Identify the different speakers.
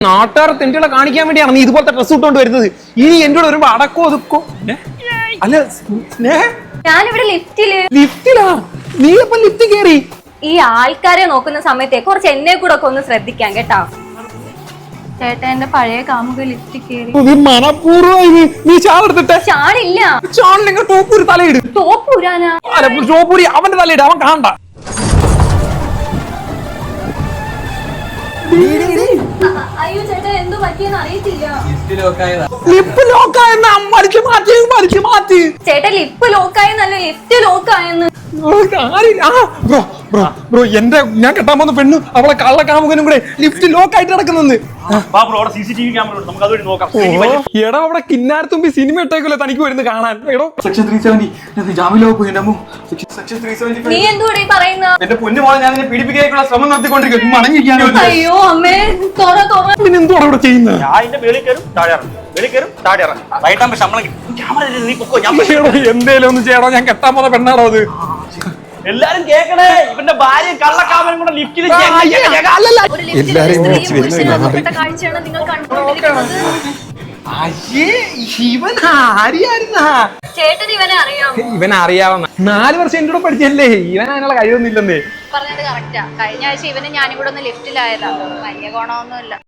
Speaker 1: നാട്ടുകാർ തെണ്ടികളെ കാണിക്കാൻ വേണ്ടിയാണ് നീ ഇതുപോലത്തെ ഡ്രസ് ഇട്ടുകൊണ്ട് വരുന്നത്. ഇനി എന്നോട് വരുമ്പോ അടക്കോ ഒതുക്കോ. അല്ല
Speaker 2: ഞാനിവിടെ
Speaker 1: ലിഫ്റ്റിലാ? നീ എപ്പം ലിഫ്റ്റ് കേറി?
Speaker 2: ഈ ആൾക്കാരെ നോക്കുന്ന സമയത്തെ കുറച്ച് എന്നെ കൂടെ ഒക്കെ ഒന്ന് ശ്രദ്ധിക്കാം കേട്ടാ. ചേട്ടാ എന്റെ പഴയ കാമുക ലിഫ്റ്റിൽ കേറി.
Speaker 1: നീ മനപൂർവ്വം നീ ചാടെടുത്തിട്ടെ.
Speaker 2: ചാടില്ല.
Speaker 1: ചാടില്ലെങ്കിൽ ടോപ്പൂരി തലയിട്.
Speaker 2: ടോപ്പൂരാനാ?
Speaker 1: അല്ല ടോപ്പൂരി അവന്റെ തലയിട്, അവൻ കാണണ്ട.
Speaker 2: അയ്യോ ചേട്ടാ എന്തോ പറ്റിയെന്ന് അറിയത്തില്ല.
Speaker 1: ലിപ്പ് ലോക്കായെന്ന് മാറ്റി.
Speaker 2: ചേട്ടാ ലിപ്പ് ലോക്കായെന്നല്ല, ലിഫ്റ്റ് ലോക്കായെന്ന്.
Speaker 1: ബ്രോ എന്റെ ഞാൻ കെട്ടാൻ പോകുന്ന പെണ്ണു അവളെ കള്ളക്കാമുകനും കൂടെ ലിഫ്റ്റ് ലോക്ക് ആയിട്ട് നടക്കുന്നെന്ന്. എടാ അവിടെ കിന്നാരത്തുമ്പി സിനിമ ഇട്ടേക്കല്ലോ തനിക്ക് വരുന്നത് കാണാൻ. എടോ സെക്ഷൻ 370 ജാമ്യത്തിലാ പോയി. സെക്ഷൻ 370
Speaker 2: നീ എന്തുകൂടെ പറയുന്ന?
Speaker 1: എന്റെ പൊന്നു മോളെ ഞാൻ പീഡിപ്പിക്കാനുള്ള ശ്രമം നടത്തിക്കൊണ്ടിരിക്കും. മടങ്ങിയിരിക്കാനോ?
Speaker 2: അയ്യോ അമ്മേ
Speaker 1: പിന്നെ എന്തുവാണ് ഇവിടെ ചെയ്യുന്നത്? എന്തേലും ഒന്ന് ചെയ്യണോ? ഞാൻ കെട്ടാൻ പോകുന്ന പെണ്ണാണോ അത്?
Speaker 3: എല്ലാരും കേക്കണേ, ഇവന്റെ ഭാര്യ കള്ളക്കാമനും കൂടെ ലിഫ്റ്റിൽ
Speaker 2: കാഴ്ചയാണ് നിങ്ങൾ കണ്ടുകൊണ്ടിരിക്കുന്നത്. ചേട്ടൻ ഇവനെ അറിയാമോ?
Speaker 1: ഇവനെ അറിയാവുന്ന 4 വർഷം എന്റെ കൂടെ പഠിച്ചല്ലേ. ഇവൻ അതിനുള്ള കഴിവൊന്നുമില്ലെന്നേ.
Speaker 2: പറഞ്ഞത് കറക്റ്റാ. കഴിഞ്ഞ ആഴ്ച ഇവന് ഞാനും കൂടെ ഒന്ന് ലിഫ്റ്റിലായതാ. വലിയ ഗുണമൊന്നുമില്ല.